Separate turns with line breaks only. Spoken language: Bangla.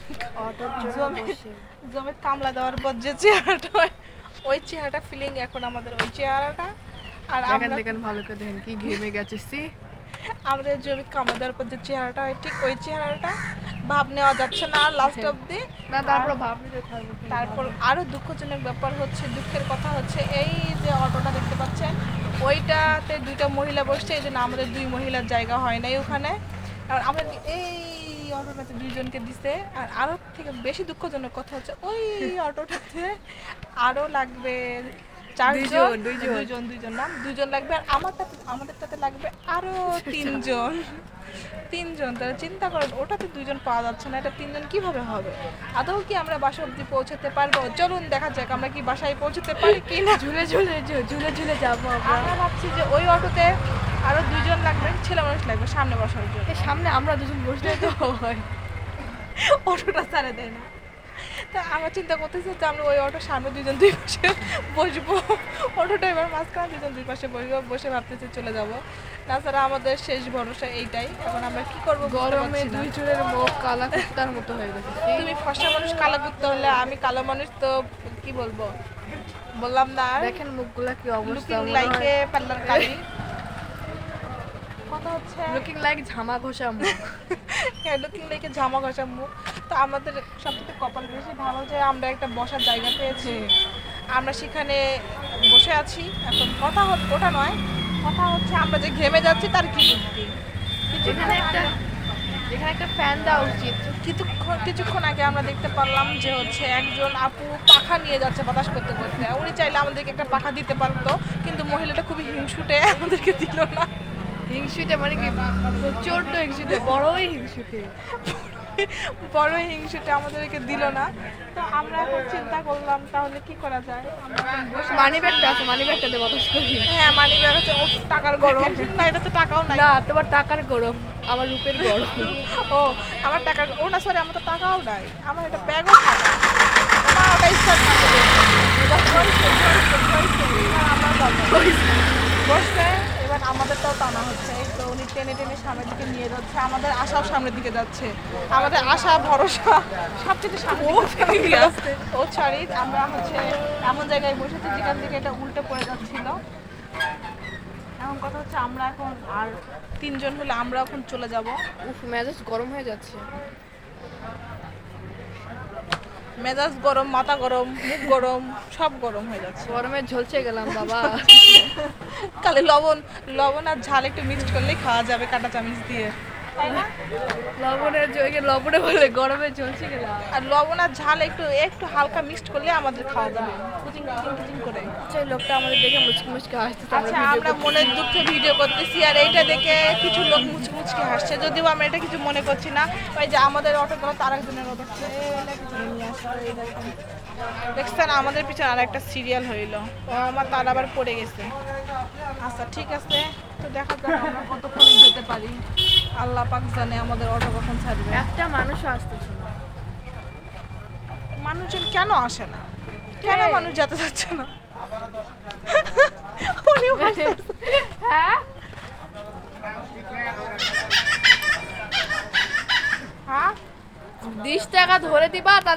অটোর জন্য বসে
জমির কামলা দেওয়ার পর যে চেহারাটা হয়, ওই চেহারাটা ফিলিং এখন আমাদের ওই চেহারাটা। আর
দেখেন
আমরা
দেখেন ভালো করে দেখেন কি ঘেমে গেছে সি।
আমাদের জমির কামলা দেওয়ার পর যে চেহারাটা হয় ঠিক ওই চেহারাটা ভাব নেওয়া যাচ্ছে না লাস্ট অব্দি।
না তারপর ভাব নিতে থাকবো
তারপর আরো দুঃখজনক ব্যাপার হচ্ছে, দুঃখের কথা হচ্ছে এই যে অটোটা দেখতে পাচ্ছেন ওইটাতে দুইটা মহিলা বসছে, এই জন্য আমাদের দুই মহিলার জায়গা হয় নাই ওখানে। আর আমরা এই অটোটাতে দুইজনকে দিছে। আর আরো থেকে বেশি দুঃখজনক কথা হচ্ছে ওই অটোটাতে আরো লাগবে চারজন, দুইজন না দুইজন লাগবে। আর আমাদেরটাতে লাগবে আরো তিনজন। তারা চিন্তা করেন, ওটাতে দুইজন পাওয়া যাচ্ছে না, এটা তিনজন কিভাবে হবে? আদৌ কি আমরা বাসা অব্দি পৌঁছাতে পারবো? চলুন দেখা যাক আমরা কি বাসায় পৌঁছাতে পারি কি না।
ঝুলে ঝুলে যাবো
আমরা ভাবছি যে ওই অটোতে আরো দুইজন লাগবে, ছেলে মানুষ লাগবে সামনে বসার জন্য।
সামনে আমরা দুজন বসলে তো হয়।
অটোটা ছাড়ে দেয় না। তা আমরা চিন্তা করতেছি যে আমরা ওই অটোর সামনে দুজন দুই পাশে বসবো, অটোটা এবার মাঝখানে দুজন দুই পাশে বসবো, বসে ভাবতেছি চলে যাব। তাছাড়া আমাদের শেষ ভরসা এইটাই। এখন আমরা কি করবো?
গরমে দুই চুলের মুখ কালা কুত্তার মতো হয়ে গেছে।
তুমি ফর্সা মানুষ কালো করতে হলে, আমি কালো মানুষ তো কি বলবো, বললাম না।
দেখেন মুখগুলা কি অবস্থা,
লুকিং লাইকে পার্লার কালি। কথা হচ্ছে
লুকিং লাইক ঝামা ঘষা মুখ।
হ্যাঁ, লুকিং লাইকে জামা ঘষা মুখ। তো আমাদের সবথেকে কপাল বেশি ভালো যে আমরা একটা বসার জায়গা পেয়েছি, আমরা সেখানে বসে আছি। এখন কথা ওটা নয়, কথা হচ্ছে আমরা যে ঘেমে যাচ্ছি তার কি বুদ্ধি।
এখানে একটা ফ্যান দেওয়া উচিত।
কিছুক্ষণ আগে আমরা দেখতে পারলাম যে হচ্ছে একজন আপু পাখা নিয়ে যাচ্ছে বাতাস করতে করতে। উনি চাইলে আমাদেরকে একটা পাখা দিতে পারতো, কিন্তু মহিলাটা খুবই হিংসুটে, আমাদেরকে দিল না।
হিংসুটে মানে কি? প্রচন্ড হিংসুটে, বড়ই হিংসুটে।
বড়ই হিংসুটে, আমাদেরকে দিল না। তো আমরা এখন চিন্তা করলাম তাহলে কি করা যায়।
মানি ব্যাগটা আছে, মানি ব্যাগটা দিয়ে বাতাস করি।
হ্যাঁ, মানি ব্যাগ আছে। ও টাকার গরম না, এটা তো টাকাও নাই।
না তোমার টাকার গরম, আমার রূপের গরম।
ও আমার টাকার, ও না সরি, আমার তো টাকাও নাই, আমার এটা ব্যাগও থাকা। না ওটা স্টার্ট না করে বসবে। এবার আমাদেরটাও টানা হচ্ছে, এই তো উনি টেনে টেনে সামনের দিকে নিয়ে যাচ্ছে, আমাদের আশাও সামনের দিকে যাচ্ছে। আমাদের আশা ভরসা সব কিছু সামনে দিকে আসছে। ও সরি, আমরা হচ্ছে এমন জায়গায় বসেছি যেখান থেকে এটা উল্টে পড়ে যাচ্ছিল। এখন কথা হচ্ছে আমরা এখন আর তিনজন হলে আমরা এখন চলে যাব।
উফ, মেজাজ গরম হয়ে যাচ্ছে।
মেজাজ গরম, মাথা গরম, মুখ গরম, সব গরম হয়ে যাচ্ছে।
গরমে ঝলসে গেলাম বাবা।
খালি লবণ আর ঝাল একটু মিক্সড করলেই খাওয়া যাবে কাঁটা চামচ দিয়ে, তাই না?
লবণে বলে গরমে ঝলসে গেলাম।
আর লবণ আর ঝাল একটু একটু হালকা মিক্সড করলে আমাদের খাওয়া যাবে কুচিং কুচিং কুচিং করে।
আচ্ছা, এই লোকটা আমাদের দেখে মুচকি মুচকি হাসতেছে।
আচ্ছা, আমরা মনের দুঃখে ভিডিও করতেছি আর এইটা দেখে কিছু লোক মুচকি মুচকি হাসছে, যদিও আমরা এটা কিছু মনে করছি না। ওই যে আমাদের অটোগুলো তার একজনের অটো দেখছেন, আমাদের পিছনে আর একটা সিরিয়াল হইলো, ও আমার তার আবার পড়ে গেছে। আচ্ছা ঠিক আছে, তো দেখা যাক আমরা কতক্ষণে যেতে পারি। আল্লাহ পাক জানে আমাদের অটো কখন ছাড়বে।
একটা মানুষও আসতেছে না।
মানুষজন কেন আসে না? কেন মানুষ যেতে যাচ্ছে না? উনিও হাসতেছে।
হ্যাঁ,
হ্যাঁ
20 টাকা ধরে দিবা।